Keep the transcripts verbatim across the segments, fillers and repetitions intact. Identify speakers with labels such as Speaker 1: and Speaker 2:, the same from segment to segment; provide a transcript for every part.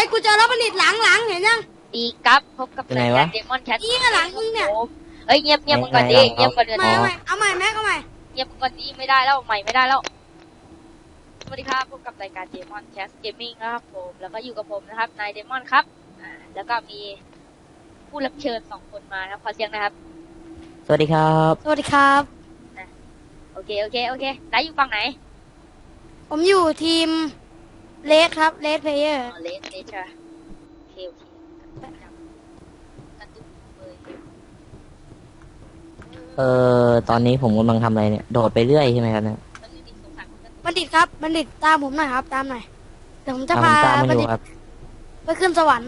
Speaker 1: ยกูเจอแล้วบัณฑิตหลังหลังเห็นยัง
Speaker 2: ดีครับพบกับรายการเดมอนแคท
Speaker 1: นี่หลังมึงเนี่ย
Speaker 2: เอ้ยเงียบเงียบก่อนดิเงียบก่อนเดี๋ยว
Speaker 1: ไม่ไม่เอาใหม่แม็กเอาใหม่
Speaker 2: เงียบก่อนดิไม่ได้แล้วใหม่ไม่ได้แล้วสวัสดีครับพบกับรายการเดมอนแคทเกมมิ่งนะครับผมแล้วก็อยู่กับผมนะครับนายเดมอนครับอ่าแล้วก็มีผู้รับเชิญสองคนมานะครับขอเสียงนะครับ
Speaker 3: สวัสดีครับ
Speaker 1: สวัสดีครับ
Speaker 2: โอเคโอเคโอเคนายอยู่ฝั่งไหน
Speaker 1: ผมอยู่ทีมเลสครับเลสเพลเยอร์
Speaker 2: เลสเลสใช่โอเคโอเค
Speaker 3: เออตอนนี้ผมกำลังทำอะไรเนี่ยโดดไปเรื่อยใช่ไหมครับเนี่ย
Speaker 1: บัณฑิตครับบัณฑิตตามผมหน่อยครับตามหน่อยเดี๋ยวผมจะพาบัณฑิตไปขึ้นสวรรค์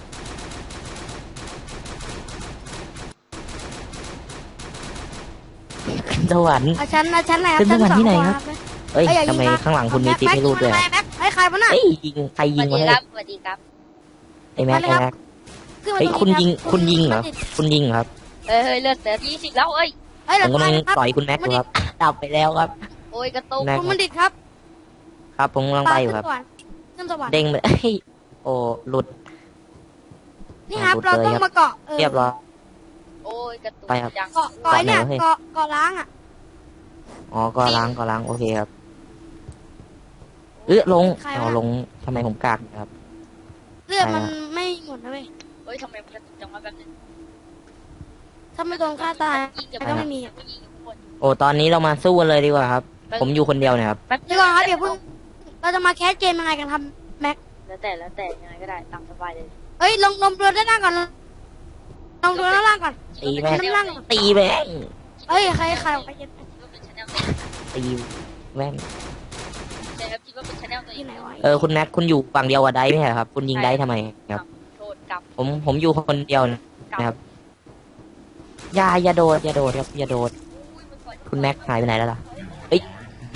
Speaker 3: ขึ้นสวรรค์
Speaker 1: ชั้นนะชั้นไหนครับ
Speaker 3: ขึ้นสวรรค์ที่ไหนครับเอ้ยทำไมข้างหลังคุณมีติ๊บให้รูดด้วย
Speaker 1: ไอ้ใครวะน่ะ
Speaker 3: เอ้ยยิงใครยิงวะเนี่ย
Speaker 2: สวัสดีครับ
Speaker 3: ไอ้แม็กไอ้แม็กเฮ้ยคุณยิงคุณยิงเหรอคุณยิงครับ
Speaker 2: เฮ้ยเลือดเหลือยี่สิบแล้วเอ้ย
Speaker 3: ผมกำลังต่อยคุณแม็กอยู่ครับดับไปแล้วครับ
Speaker 2: โอ้ยกระตุก
Speaker 1: คุณบัณฑิตครับ
Speaker 3: ครับผมกำลังไปอยู่ครับเด้งเลยโอ้หลุด
Speaker 1: นี่ครับเราต้องมาเกาะ
Speaker 3: เรียบร้อย
Speaker 2: โอ้ยกระตุก
Speaker 3: ไปครับ
Speaker 1: เกาะเกาะเนี่ยเกาะเกาะล้างอ่ะ
Speaker 3: อ๋อก็ล้างก็ล้างโอเคครับเออลงอ๋อลงทำไมผมกากครับ
Speaker 1: เลือดมันไม่หมดนะเว้ย
Speaker 2: เฮ้ยทำไมมันกระตุกจังวะแบบนึง
Speaker 1: ถ้าไม่โดนฆ่าตายก็ไม่มี
Speaker 3: โอ้ตอนนี้เรามาสู้กันเลยดีกว่าครับผมอยู่คนเดียวเนี่ยครับ
Speaker 1: ดีกว่าครับเดี๋ยวเพิ่งเราจะมาแคสเกมยังไงกันครับแม็ก
Speaker 2: แล้วแต่แล้วแต่ยังไงก็ได้ตามสบายเลย
Speaker 1: เฮ้ยลงลงเรือด้านล่างก่อนลงเรือด้านล่างก่อน
Speaker 3: ตีแม่งตีแม่ง
Speaker 1: เฮ้ยใครใครไป
Speaker 3: ตีแม่ง
Speaker 2: ใช่ครับคิดว่าเป็นชาแนลตัวเอง
Speaker 3: เออคุณแม็กคุณอยู่ฝั่งเดียวกับไดไม่ใช่ครับคุณยิงไดทำไมครับผมผมอยู่คนเดียวนะครับอย่าอย่าโดดอย่าโดดครับอย่าโดดคุณแม็กหายไปไหนแล้วล่ะเอ้ย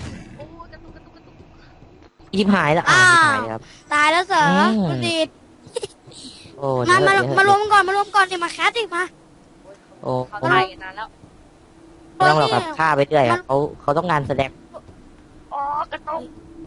Speaker 3: ยิบหายแล้วอ่ายิบหายครับ
Speaker 1: ตายแล้วเสือคุณดีด
Speaker 3: โอ้
Speaker 1: มามามารวมก่อนมารวมก่อนดิมาแคสดิมา
Speaker 3: โอ้
Speaker 2: เขาตายกันนานแล้ว
Speaker 3: ไม่ต้องหรอกครับฆ่าไปเรื่อยครับเขาเขาต้องการแสดง
Speaker 2: อ๋อกระตุก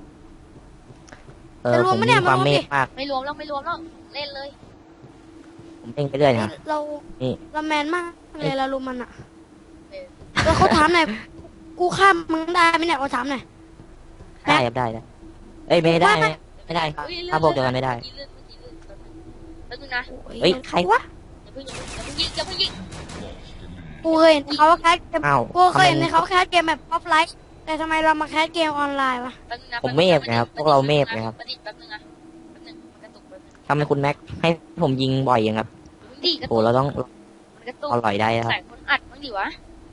Speaker 3: เออผมมีความเมตมาก
Speaker 2: ไม่รวมแล้วไม่รวมแล้วเล่นเลย
Speaker 3: ผมเล่นไปเรื่อยนะ
Speaker 1: เราเราแมนมากเลยเราลุมมันอ่ะแล้วเขาถามหน่อยกูข้ามมึงได้ไหมเนี่ยเขาถามหน่อย
Speaker 3: ได้ครับได้ได้เอ้ยไม่ได้ไม่ได้ครับถ้าพวกเดียวกันไม่ได้
Speaker 2: แล้วนึงนะ
Speaker 3: เฮ้ยใครวะ
Speaker 2: อย่าเพิ่งอย่าเพิ่งยิงอย่าเพิ่งยิง
Speaker 1: กูเคยเห็นเขาแคสเกมกูเคยเห็นเขาแคสเกมแบบออฟไลน์แต่ทำไมเรามาแคสเกมออนไลน์วะ
Speaker 3: ผมเมฟนะครับพวกเราเมฟนะครับทำไมคุณแม็กให้ผมยิงบ่อยอย่างครับโอ้เราต้องอร่อยได้ครับ
Speaker 2: ใส่คนอัดมั้งดิวะ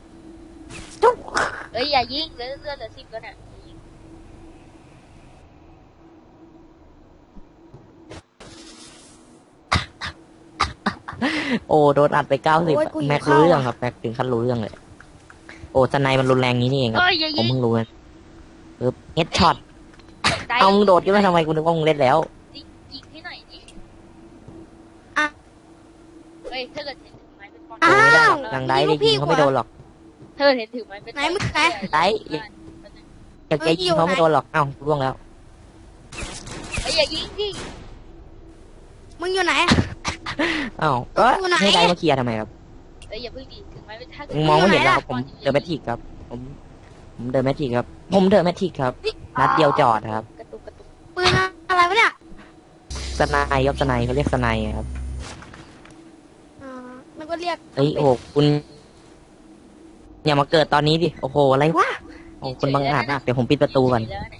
Speaker 2: เอ้ยอย่ายิงเลือดเลือดเหลือสิบแล้วเนี่ย
Speaker 3: โอ้โดนอัดไปเก้าสิบแม็กรู้เรื่องครับแม็กถึงขั้นรู้เรื่องเลยโอ้สไนมันรุนแรงนี้นี่เองครับผมเพิ่งรู้นะปึ๊บเฮดช็อตเอามึงโดดขึ้นมาทำไมกูนึกว่ามึงเล่นแล้ว
Speaker 2: ยิงให้หน่อยดิ
Speaker 1: อ่ะ
Speaker 2: เฮ้ยถ้าเกิดเห็นถือไม้เป็นปอน
Speaker 1: อ้าว
Speaker 3: ดังได้ได้ยิงเขาไม่โดนหรอก
Speaker 2: เธอเห็นถือไม้เป็น
Speaker 1: ไหนมึงไหน
Speaker 3: ได้อยากจะยิงเขาไม่โดนหรอกเอ้าร่วงแล้ว
Speaker 2: ไอ้อย่ายิงดิ
Speaker 1: มึงอยู่ไหน
Speaker 3: อ้าวก็ให้ได้มาเคลียร์ทำไมครับ
Speaker 2: เอ้ยอย่าเพิ่งดิถือไม้เป็นถ้า
Speaker 3: มึงมองไม่เห็นแล้วผมเดินแมทริกครับผมผมเดินแมทริกครับผมเดินแมทริกครับนัดเดียวจอดครับ
Speaker 1: ปืนอะไรวะเนี่ย
Speaker 3: สไนยศสไนเขาเรียกสไนครับ
Speaker 1: อ่ามันก็เรียก
Speaker 3: เฮ้ยโอ้คุณอย่ามาเกิดตอนนี้ดิโอ้โหอะไรวะโอ้คุณบังอาจนะเดี๋ยวผมปิดประตูก่อน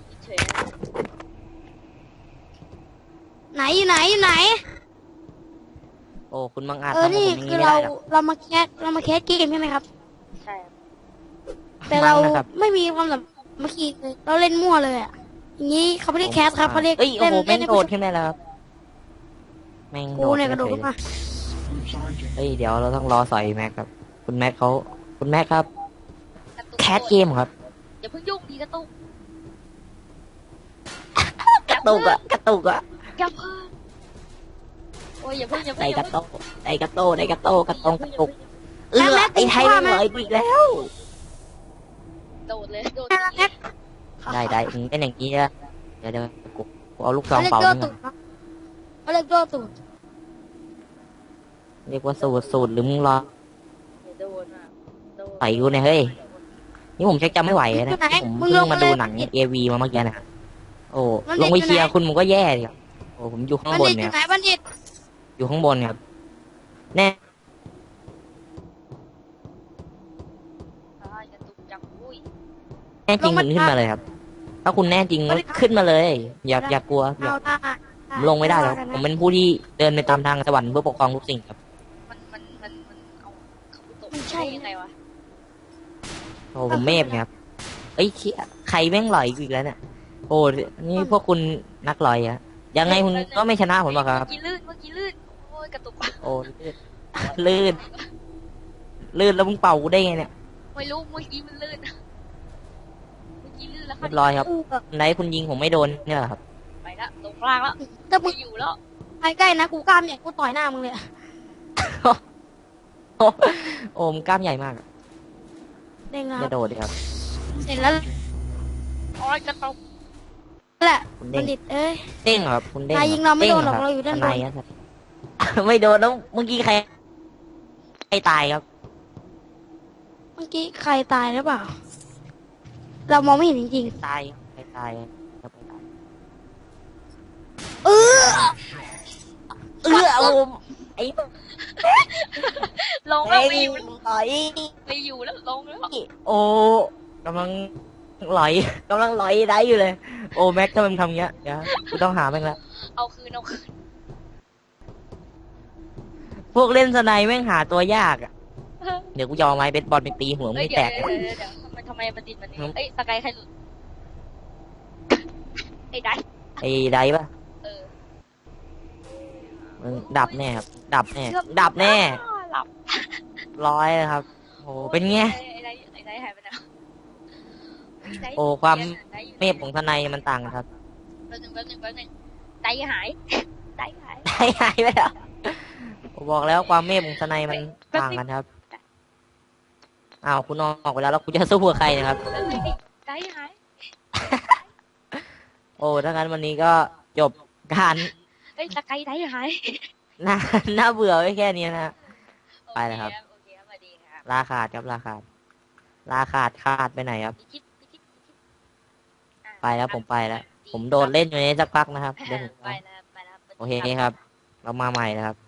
Speaker 1: ไหนอยู่ไหนอยู่ไหน
Speaker 3: โอ้คุณบังอาจ
Speaker 1: เออนี่คือเราเรามาแคสเรามาแคสเกมใช่ไหมครับ
Speaker 2: ใช่
Speaker 1: แต่เราไม่มีความแบบเมื่อกี้เราเล่นมั่วเลยอ่ะอย่างนี้เขาไม่ได้แคสครับเขาเรียก
Speaker 3: เล่นเล่นโดดขึ้นได้แล้วครับแม่งโดด
Speaker 1: เนี่ยกระโดดขึ้นมา
Speaker 3: เฮ้ยเดี๋ยวเราต้องรอใส่แม็กครับคุณแม็กเขาคุณแม็กครับแคสเกมครับ
Speaker 2: อย่าเพิ่งยุ่งดีกระตุก
Speaker 3: กระตุกอะกระตุกอะ
Speaker 2: อย่าเพิ่งโอ้ยอย่าเพิ่งอย่าเพิ่ง
Speaker 3: ไอ้กระตุกไอ้กระโตไอ้กระโตกระตงกระตุกเออไอ้ไทยไม่เลยอีกแล้ว
Speaker 2: โดดเลยโดด
Speaker 3: ได้ได้เป็นอย่างนี้นะเดี๋ยวเดี๋ยวกูเอาลูกซองเป่า
Speaker 1: เขาเเรียกโจ้ตูด
Speaker 3: เรียกว่าสูตรสูตรหรือมึงรอ
Speaker 2: เดี๋ยวโดนอ่ะโดน
Speaker 3: ต่อยกูเนี่ยเฮ้ยนี่ผมชักจำไม่ไหวแล้ว
Speaker 1: อ
Speaker 3: นะ
Speaker 1: ยู่ไหน
Speaker 3: ผม
Speaker 1: มึง
Speaker 3: เพิ่
Speaker 1: ล
Speaker 3: ง
Speaker 1: ง
Speaker 3: มา
Speaker 1: มา
Speaker 3: ดู
Speaker 1: เลย
Speaker 3: หนังเอวีมาเมื่อกี้นะโอ้
Speaker 1: มัน
Speaker 3: ลงไป
Speaker 1: อยู่ไหน
Speaker 3: เชียร์คุณมึงก็แย่ดิครับโอ้ผมอยู่ข้าง
Speaker 1: บัณ
Speaker 3: บน
Speaker 1: ฑิตอ
Speaker 3: เนี่ย
Speaker 1: ยู่ไหนบัณฑิต
Speaker 3: อยู่ข้างบนครับแน่
Speaker 2: อ่ากระตุกจังอุ้ย
Speaker 3: แน่จริงคุณขึ้นมาเลยครับ ถ้าคุณแน่จริงก็ขึ้นมาเลย อย่าอย่ากลัวอย่า
Speaker 1: เอาได้
Speaker 3: ผมลงไม่ได้หรอกผมเป็นผู้ที่เดินไปตามทางสวรรค์เพื่อปกครองทุกสิ่งครับ
Speaker 2: มันมันมันมันเอาเขาตกได้ยังไงวะ
Speaker 3: โอ้ผมเมฟเนี่ยครับเอ้ยเชี่ยใครแม่งหลอยกูอีกแล้วเนี่ยโอ้นี่พวกคุณนักลอยอะยังไงคุณก็ไม่ชนะผมหรอกครับ
Speaker 2: เมื่อกี้ลื่นเมื่อกี้ลื่นโอ้ยกระตุก
Speaker 3: โอ้ลื่นลื่นแล้วมึงเป่ากูได้ไงเนี่ย
Speaker 2: ไม่รู้เมื่อกี้มันลื่นเมื่อกี้ลื่นแล้ว
Speaker 3: เรียบร้อยครับ
Speaker 1: อู้แบบ
Speaker 3: ไหนคุณยิงผมไม่โดนเนี่ยเหรอครับ
Speaker 2: ไปละลงล่างแล้ว
Speaker 1: ถ้ามึ
Speaker 2: ไม่
Speaker 1: ง
Speaker 2: อยู่แล้ว
Speaker 1: ไปใกล้นะกูกล้ามเนี่ยกูต่อยหน้ามึงเลยอะ
Speaker 3: โอ้โอ้มงกล้ามใหญ่มากอะ
Speaker 1: เด้งแล้ว
Speaker 3: อย่าโดดดิครับ
Speaker 1: เสร็จแล้ว
Speaker 2: โอ้ยกระตุก
Speaker 1: แหละ
Speaker 3: คุณ
Speaker 1: บั
Speaker 3: เด้
Speaker 1: ณ
Speaker 3: ง
Speaker 1: ฑิตเอ้ย
Speaker 3: เด้งเหรอครับคุณเด้ง
Speaker 1: นายยิงเราไม่โดนหรอก
Speaker 3: ด้ง
Speaker 1: เราอยู่ด้านบน
Speaker 3: ทยอะครับ ไม่โดนแล้วเมื่อกี้ใครใครตายครับ
Speaker 1: เมื่อกี้ใครตายหรือเปล่า เรามองไม่เห็นจริง
Speaker 3: ตายใครตายครับใครตาย
Speaker 1: ๆเออ
Speaker 3: เออโอมไอ้
Speaker 2: ลงแล้ว
Speaker 3: ไอ้
Speaker 2: ไม่อยู่
Speaker 3: หลอย
Speaker 2: ไม่อยู่แล้วลงแล้ว
Speaker 3: โอ้กำลังหลอยกำลังหลอยได้อยู่เลย โอ้แม็กถ้ามันทำเงี้ยเดี๋ยวกูต้องหาแม่งละ
Speaker 2: เอาคืนเอาคืน
Speaker 3: พวกเล่นสไนแม่งหาตัวยากอ่ะเดี๋ยวกูจะเอาไม้เบสบอลไปตีหัวมึ
Speaker 2: เอ้ย
Speaker 3: ง
Speaker 2: เดี๋
Speaker 3: แต
Speaker 2: ยว
Speaker 3: ก
Speaker 2: เดี๋ยวเดี๋ยวเดี๋ยวทำไมทำไมมันติดมันนี่เอ้ยสกายใครหลุดไอ้ได้
Speaker 3: ไอ้ไดปะ
Speaker 2: เออ
Speaker 3: มึงดับแน่ครับดับแน่ดับแน่
Speaker 2: หลับ
Speaker 3: ร้อยเลยครับโอ้เป็นไง
Speaker 2: ไอ้ได้ไอ้ได้หายไปไหน
Speaker 3: โอ้ความเมฟของทนายมันต่างกันครับ
Speaker 2: แป๊บนึงแป๊บนึงแป๊บนึงไตหายไตหาย
Speaker 3: ได้หายไปแล้วผมบอกแล้วความเมฟของทนายมันต่างกันครับอ้าวคุณออกไปแล้วแล้วคุณจะสู้กับใครนะครับ
Speaker 2: แป๊บนึงไตหาย
Speaker 3: โอ้ถ้างั้นวันนี้ก็จบการ
Speaker 2: เอ้ยสกายไตหาย
Speaker 3: น่าน่าเบื่อไว้แค่นี้นะ ไปเลยครับ
Speaker 2: โอเคครับสวัสดีครับ
Speaker 3: ลาขาดครับลาขาดลาขาดขาดไปไหนครับ
Speaker 2: พิชิตพิชิตพิชิตอ่ะ
Speaker 3: ไปแล้วผมไปแล้ว ผมโดนเล่นอยู่ในนี้สักพักนะครับเดี๋ยวผม
Speaker 2: ไปแล้วไปแล้ว
Speaker 3: โอเคครับ เรามาใหม่นะครับ